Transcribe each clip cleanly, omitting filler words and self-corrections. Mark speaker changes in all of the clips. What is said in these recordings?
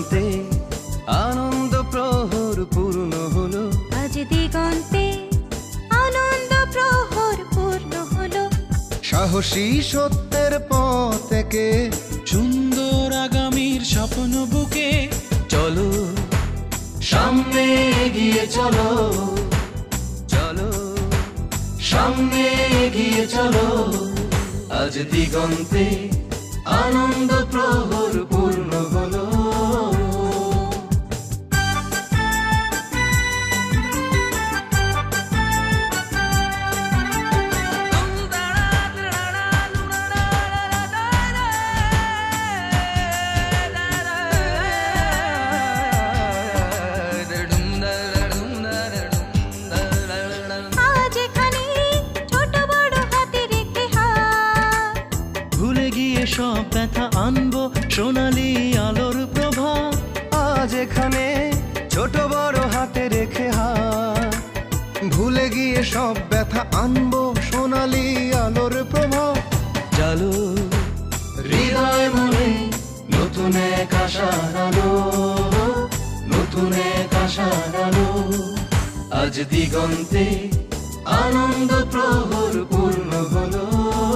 Speaker 1: দিগন্তে আনন্দ প্রহর পূর্ণ হলো,
Speaker 2: আজ দিগন্তে আনন্দ প্রহর পূর্ণ হলো।
Speaker 3: সাহসী সত্যের পথ থেকে
Speaker 4: সুন্দর আগামীর স্বপ্ন বুকে
Speaker 1: চলো সামনে এগিয়ে চলো, চলো সামনে এগিয়ে চলো। আজ দিগন্তে আনন্দ প্রহর পূর্ণ হলো।
Speaker 2: আজ এখানে ছোট বড় হাতে রেখে হাত,
Speaker 1: ভুলে গিয়ে সব ব্যথা আনবো সোনালি আলোর প্রভা।
Speaker 3: আজ এখানে ছোট বড় হাতে রেখে হাত, ভুলে গিয়ে সব ব্যথা আনবো সোনালি আলোর প্রভাব।
Speaker 1: চলো হৃদয় মনে নতুন এক আশার আলো, নতুন এক আশার আলো। আজ দিগন্তে আনন্দ প্রহর পূর্ণ হলো।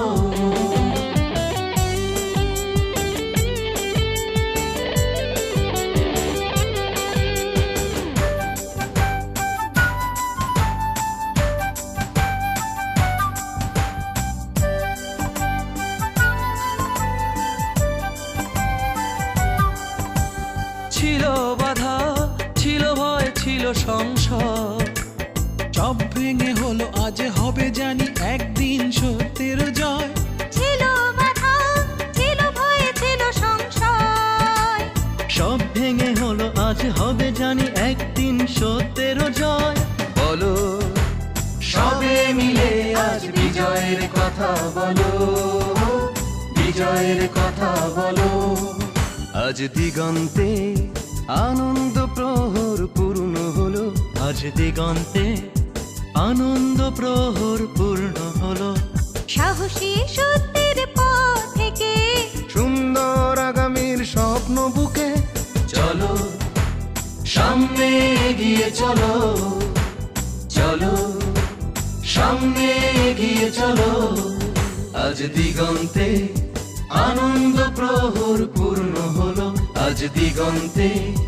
Speaker 1: ছিল বাধা, ছিল ভয়, ছিল সংশয়,
Speaker 4: সব ভেঙে হলো আজ হবে জানি একদিন সত্যের জয়।
Speaker 2: ছিল বাধা, ছিল ভয়, ছিল সংশয়,
Speaker 1: সব ভেঙে হলো আজ হবে জানি একদিন সত্যের জয়। বলো সবে মিলে আজ বিজয়ের কথা বলো, বিজয়ের কথা বলো। আজ দিগন্তে আনন্দ প্রহর পূর্ণ হলো, আজ দিগন্তে আনন্দ প্রহর পূর্ণ হলো।
Speaker 2: সাহসী সত্যের পথ থেকে
Speaker 3: সুন্দর আগামীর স্বপ্ন বুকে
Speaker 1: চলো সামনে এগিয়ে চলো, চলো সামনে এগিয়ে চলো। আজ দিগন্তে আনন্দ প্রহর পূর্ণ হলো, আজ দিগন্তে